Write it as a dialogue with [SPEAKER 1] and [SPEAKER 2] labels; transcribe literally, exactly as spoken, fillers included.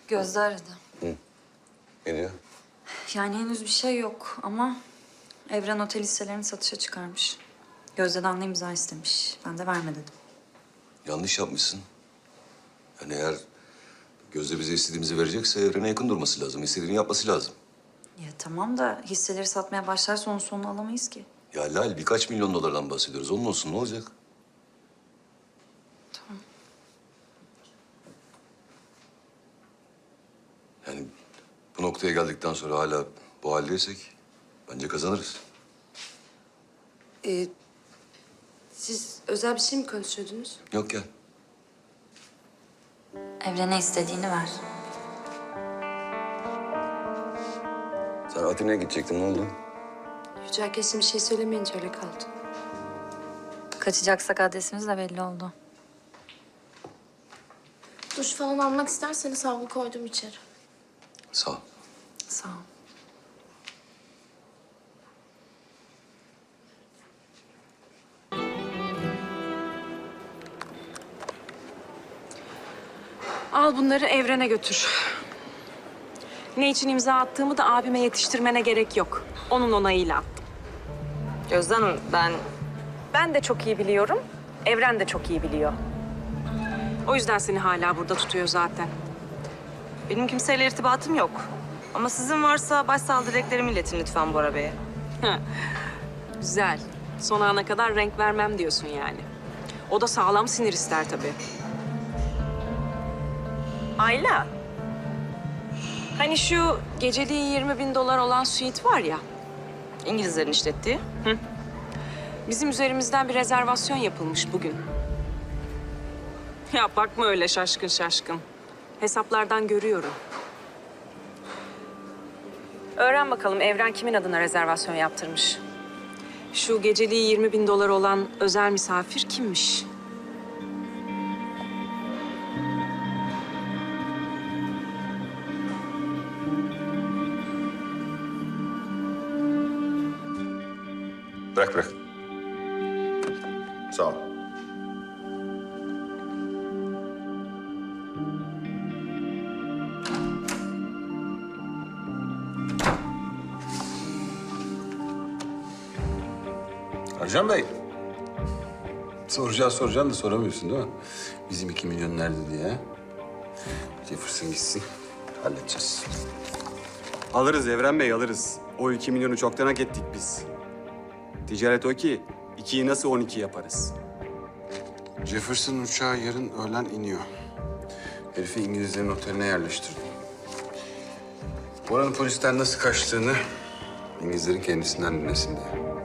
[SPEAKER 1] Gözde aradı.
[SPEAKER 2] Hı. Ne diyor?
[SPEAKER 1] Yani henüz bir şey yok ama Evren otel hisselerini satışa çıkarmış. Gözde'den de imza istemiş. Ben de verme dedim.
[SPEAKER 2] Yanlış yapmışsın. Yani eğer Gözde bize istediğimizi verecekse Evren'e yakın durması lazım. İstediğini yapması lazım.
[SPEAKER 1] Ya tamam da hisseleri satmaya başlarsa onun sonunu alamayız ki.
[SPEAKER 2] Ya Lal, birkaç milyon dolardan bahsediyoruz. Onun olsun, ne olacak?
[SPEAKER 1] Tamam.
[SPEAKER 2] Yani bu noktaya geldikten sonra hala bu haldeysek bence kazanırız.
[SPEAKER 3] Ee, siz özel bir şey mi konuşuyordunuz?
[SPEAKER 2] Yok gel.
[SPEAKER 1] Evren'e istediğini ver.
[SPEAKER 2] Sen Atina'ya gidecektin, ne oldu?
[SPEAKER 3] Yücel kesin bir şey söylemeyince öyle kaldı.
[SPEAKER 1] Kaçacaksak adresimiz de belli oldu.
[SPEAKER 4] Duş falan almak isterseniz havlu koydum içeri.
[SPEAKER 2] Sağ ol.
[SPEAKER 1] Sağ ol.
[SPEAKER 5] Al bunları Evren'e götür. Ne için imza attığımı da abime yetiştirmene gerek yok. Onun onayıyla attım.
[SPEAKER 6] Gözde Hanım, ben
[SPEAKER 5] Ben de çok iyi biliyorum. Evren de çok iyi biliyor. O yüzden seni hala burada tutuyor zaten.
[SPEAKER 6] benim kimseyle irtibatım yok. Ama sizin varsa başsağlığı dileklerimi iletin lütfen Bora Bey'e.
[SPEAKER 5] Güzel. Son ana kadar renk vermem diyorsun yani. O da sağlam sinir ister tabii. Ayla. Hani şu geceliği yirmi bin dolar olan suite var ya.
[SPEAKER 6] İngilizlerin işlettiği.
[SPEAKER 5] Bizim üzerimizden bir rezervasyon yapılmış bugün. Ya bakma öyle şaşkın şaşkın. Hesaplardan görüyorum. Öğren bakalım Evren kimin adına rezervasyon yaptırmış. Şu geceliği yirmi bin dolar olan özel misafir kimmiş?
[SPEAKER 2] Bırak bırak. Sağ ol.
[SPEAKER 7] Ercan Bey. Soracağız soracağım da soramıyorsun değil mi? Bizim iki milyon nerede diye. Jefferson gitsin. Halledeceğiz.
[SPEAKER 8] Alırız Evren Bey, alırız. O iki milyonu çoktan hak ettik biz. Ticaret o ki, ikiyi nasıl on iki yaparız?
[SPEAKER 7] Jefferson uçağı yarın öğlen iniyor. Herifi İngilizlerin oteline yerleştirdim. Oranın polisten nasıl kaçtığını İngilizlerin kendisinden dinlesin diye.